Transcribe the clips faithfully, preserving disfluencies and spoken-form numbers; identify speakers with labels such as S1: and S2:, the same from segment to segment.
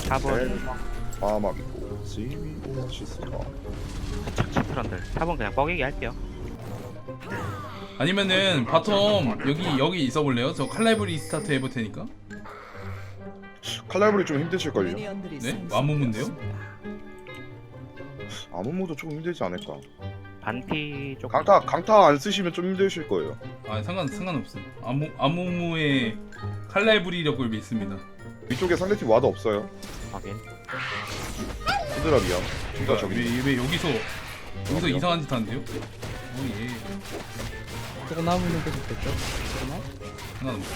S1: 탑은
S2: 마막이고 지미 오아시스가
S1: 착취 트런들. 탑은 그냥 뻐개기 할게요.
S3: 아니면은 바텀 여기 여기 있어 볼래요? 저 칼라이브리 스타트 해볼 테니까.
S2: 칼날불이 좀 힘드실걸요?
S3: 네? 와무문데요?
S2: 아무모도 조금 힘들지 않을까?
S1: 반피 쪽.
S2: 강타 강타 안 쓰시면 좀 힘드실 거예요.
S3: 아 상관 상관없어. 아무 아무무의 칼라이브리력을 믿습니다.
S2: 위쪽에 상대팀 와도 없어요.
S1: 확인.
S2: 히드라비야. 진짜
S3: 그러니까
S2: 저기
S3: 왜, 왜 여기서 여기서
S2: 저기요?
S3: 이상한 짓 하는데요? 오 예.
S4: 조금 남으면 계속 됐죠? 그러나?
S3: 상관없어.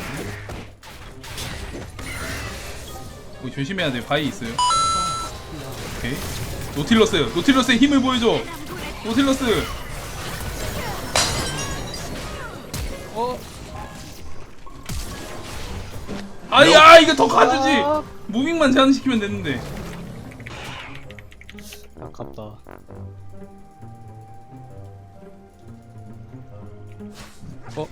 S3: 오, 조심해야 돼. 바위 있어요. 오케이. 노틸러스, 노틸러스의 힘을 보여줘. 노틸러스.
S4: 어?
S3: 아야 이거 더 가주지. 무빙만 제한시키면 됐는데.
S4: 아깝다. 어?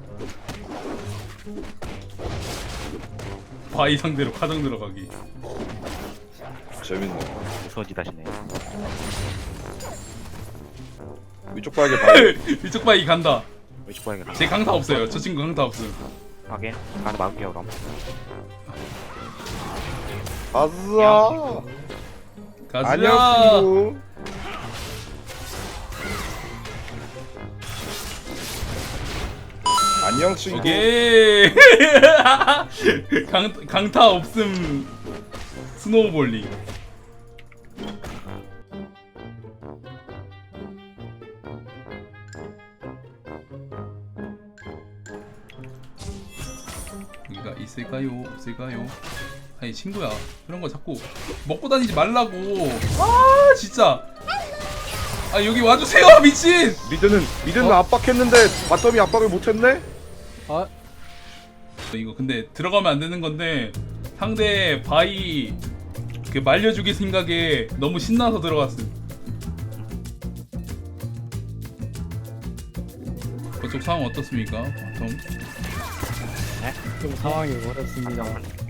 S3: 바위 상대로 가정 들어가기.
S2: 재밌네.
S1: 무서운 짓 하시네.
S2: 위쪽 바닥에 바위.
S3: 위쪽 바위 간다.
S1: 왼쪽 방에 가.
S3: 제 강타 없어요. 저 친구 강타 없음.
S1: 확인. 가서 막을게요 그럼.
S2: 아싸.
S3: 가자.
S2: 안녕 친구. 안녕 친구.
S3: 오케이. 강 강타 없음. 스노우볼링. 여기가 있을까요? 없을까요? 아니 친구야 그런 거 자꾸 먹고 다니지 말라고. 아 진짜. 아 여기 와주세요 미친.
S2: 미드는 미드는
S4: 어?
S2: 압박했는데 바텀이 압박을 못했네.
S4: 아,
S3: 이거 근데 들어가면 안 되는 건데 상대 바이 그 말려주기 생각에 너무 신나서 들어갔음. 그쪽 상황 어떻습니까? 바텀.
S4: 좀 상황이 어렵습니다.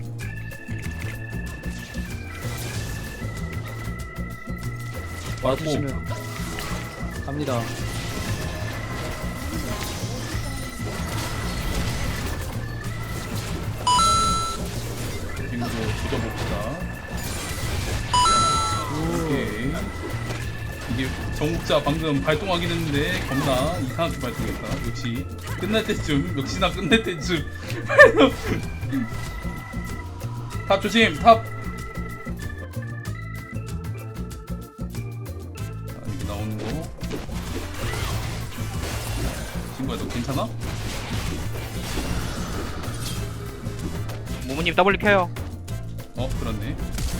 S4: 와주시면 갑니다.
S3: 지금도 조져봅시다. 오케이. 이게 정국자 방금 발동하긴 했는데 겁나 이상하게 발동했다. 역시 끝날 때쯤 역시나 끝날 때쯤. 탑 조심 탑. 아, 여기 나오는 거. 친구야 너 괜찮아?
S1: 모모님 더블 켜요.
S3: 어 그렇네.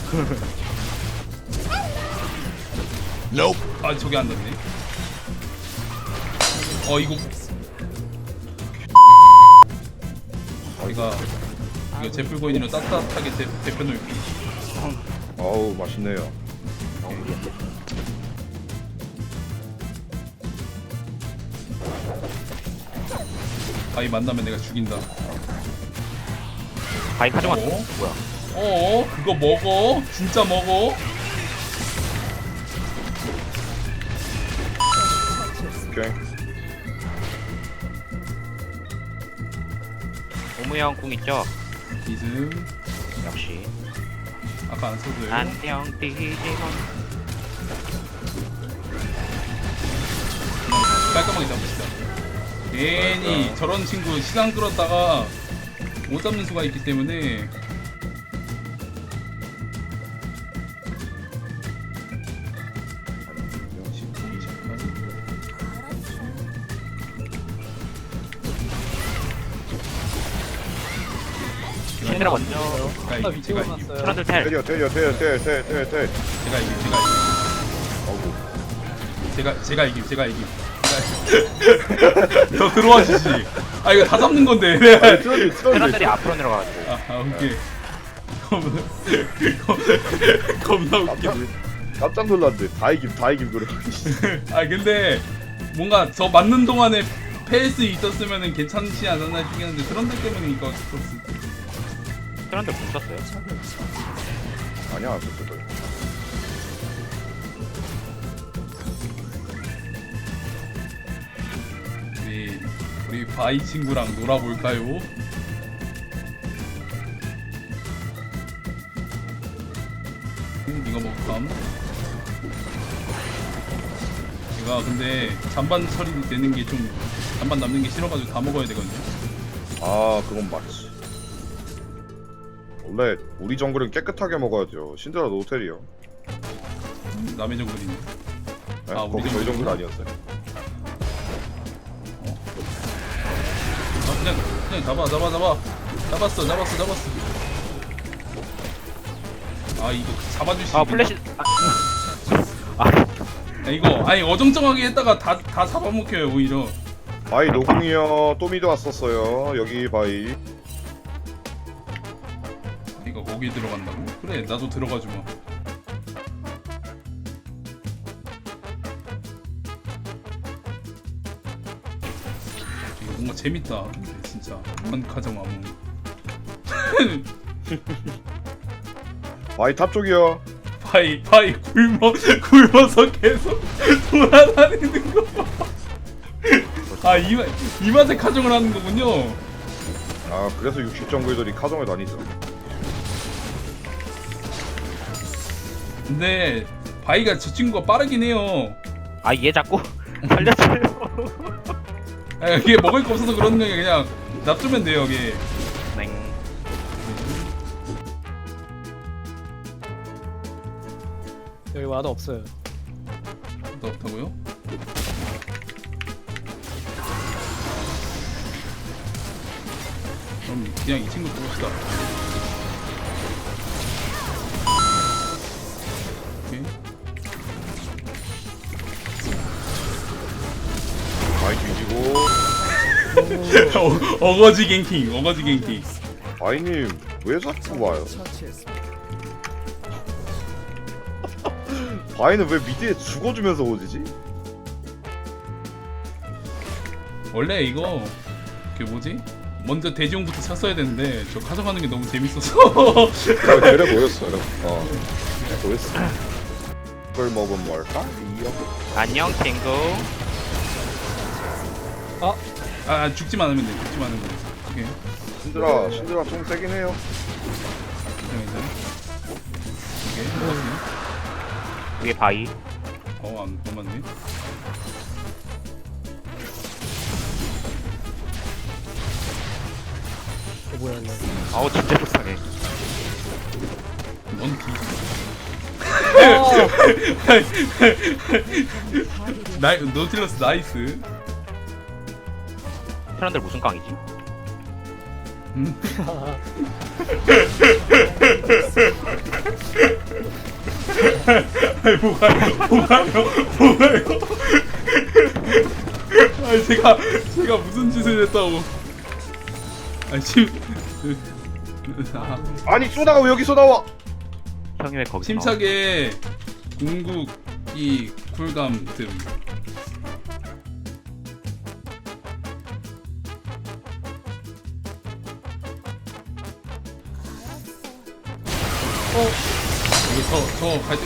S3: 아 저기 안 났네. 어 이거 제가 이거 제풀고인으로 따뜻하게 데, 데펴놓을게.
S2: 어우 맛있네요.
S3: 바위 만나면 내가 죽인다.
S1: 바인 가져갔어.
S3: 어?
S1: 뭐야?
S3: 어 그거 먹어? 진짜 먹어?
S2: 오케이.
S1: 오무 형 궁 있죠?
S3: 이즘
S1: 역시.
S3: 아까 안 써도요.
S1: 안녕 디지몬.
S3: 깔끔하게 잡읍시다. 괜히 저런 친구 시장 끌었다가 못 잡는 수가 있기 때문에.
S1: 신드라 먼저.
S3: 제가
S4: 아,
S3: 이기,
S4: 위치
S3: 제가 이기,
S4: 올랐어요.
S1: 트런들 텔.
S2: 때려 때려 때려 때려 때려 때려 때려.
S3: 제가 이기, 제가 이기.
S2: 어우.
S3: 제가 제가 이김, 제가 이김. 제가- 더 들어와 주시. 아 이거 다 잡는 건데.
S2: 아니, 트런들
S1: 트런들이
S2: 트런들.
S1: 앞으로 내려가가지고.
S3: 아, 아 오케이. 겁나 겁나 웃겨.
S2: 깜짝 깜짝 놀랐네. 다 이김 다 이김 그래.
S3: 아 근데 뭔가 저 맞는 동안에 페이스 있었으면은 괜찮지 않았나 싶긴 한데 트런들 때문에 이거 어쩔 수 없어.
S1: 트런들 궁 썼어요.
S2: 아니야 안 썼어.
S3: 우리 우리 바이 친구랑 놀아볼까요? 음, 이거 먹감. 제가 근데 잔반 처리 되는 게 좀 잔반 남는 게 싫어가지고 다 먹어야 되거든요.
S2: 아 그건 맞지. 원래 우리 정글은 깨끗하게 먹어야죠. 신드라 노텔이요.
S3: 남의 정글이네.
S2: 네?
S3: 아, 우리
S2: 거기 저희
S3: 정글이구나.
S2: 정글 아니었어요.
S3: 아, 그냥 그냥 잡아 잡아 잡아 잡았어 잡았어 잡았어. 아 이거 잡아줄 수
S1: 아
S3: 있겠나?
S1: 플래시. 아, 아
S3: 아, 이거 아니 어정쩡하게 했다가 다 다 잡아먹혀요 오히려.
S2: 바이 노궁이요. 또 미드 왔었어요. 여기 바이.
S3: 이거 거기 들어간다고? 그래 나도 들어가주마. 이거 뭔가 재밌다. 근데 진짜 한 가정 아무.
S2: 바이 탑 쪽이요.
S3: 파이 파이 굶어 굶어서 계속 돌아다니는 거 봐. 아이 맛, 이 맛에 가정을 하는 거군요.
S2: 아 그래서 육십 정글들이 카정을 다니죠.
S3: 근데 바이가 저 친구가 빠르긴 해요.
S1: 아, 얘 자꾸 살려줘요.
S3: 아, 이게 먹을 거 없어서 그러는 게 그냥 놔두면 돼요 이게.
S1: 네.
S4: 여기 와도 없어요.
S3: 더 없다고요? 그럼 그냥 이 친구 뽑읍시다. 오케이.
S2: 바이 뒤지고.
S3: 어, 어거지 갱킹, 어거지 갱킹.
S2: 바이님 왜 자꾸 와요? 바이는 왜 미드에 죽어주면서 오지지?
S3: 원래 이거 그 뭐지? 먼저 대지용부터 샀어야 되는데 저 가져가는 게 너무 재밌어서.
S2: 아, 그래 보였어요. 어, 그래 보였어. 그걸 먹으면 뭘까? 이어.
S1: 안녕 친구.
S4: 아,
S3: 아 죽지만 않으면 돼, 죽지만 않으면 돼. 오케이.
S2: 신드라 신드라 좀 세긴 해요.
S3: 괜찮아, 오케이. 먹었어요.
S1: 위에 바이.
S3: 어, 안, 안 맞네.
S4: 어 뭐야 이거.
S1: 아우 진짜 불쌍해.
S3: 넌 뒤.
S4: 아,
S3: 나이, 노틸러스 나이스.
S1: 사람들 무슨 깡이지?
S3: 음. 아니 뭐가요? 뭐가요? 뭐가요? 아니 제가 제가 무슨 짓을 했다고? 아니 지금 아,
S2: 아니 쏘다가 왜 여기서 나와?
S1: 형이 왜 거기서 나와?
S3: 침착에 궁극기 쿨감 등.
S4: 어,
S3: 이거 저저 갈 때.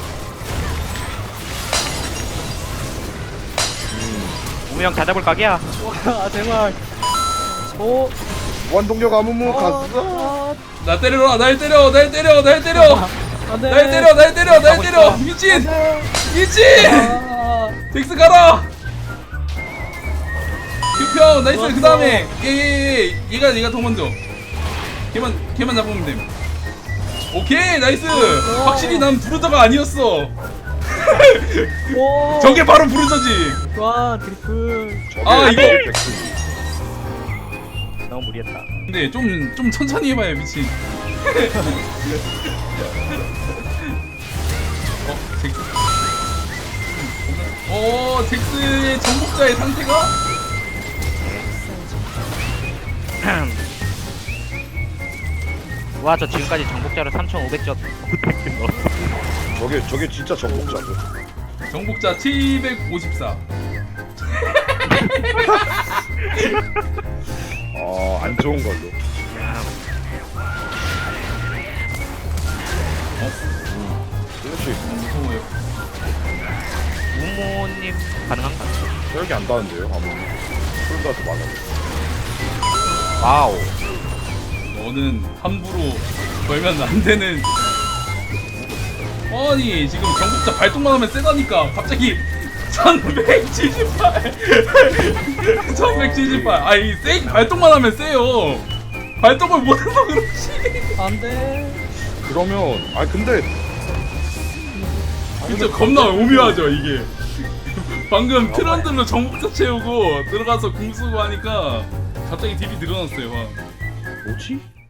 S1: 우명 찾아볼 각이야.
S4: 아 제발. 오,
S2: 원동력 아무무 갔어.
S4: 아,
S3: 나 때려라, 날 때려, 날 때려, 날 때려,
S4: 안돼.
S3: 날 때려, 날 때려, 날 때려, 미친, 미친,
S4: 아,
S3: 덱스 가라. 규평 나이스. 그 다음에 얘얘얘 얘가 얘가 더 먼저. 걔만 걔만 잡으면 됨. 오케이 나이스. 확실히 난 부르저가 아니었어.
S4: 오.
S3: 저게 바로 부르저지.
S4: 와 트리플.
S3: 아, 이거.
S1: 너무 무리했다.
S3: 근데 좀 좀 천천히 해봐요 미친. 어 잭스. 어 잭스의 정복자의 상태가.
S1: 와, 저 지금까지 정복자로 삼천오백 점 넣었어.
S2: 저게 저게 진짜 정복자죠.
S3: 정복자 칠백오십사.
S2: 아안 좋은 걸로.
S3: 어?
S2: 여기 안 닿는데요 아무리 풀다도 많아.
S1: 와우.
S3: 너는 함부로 걸면 안 되는. 아니 지금 정복자 발동만 하면 세다니까 갑자기 천백칠십팔 천백칠십팔. 아니 세 발동만 하면 세요. 발동을 못해서 그렇지.
S4: 안돼.
S2: 그러면 아 근데
S3: 진짜 겁나 오묘하죠 이게. 방금 트런들로 정복자 채우고 들어가서 궁 쓰고 하니까 갑자기 딜이 늘어났어요. 막.
S2: 뭐지?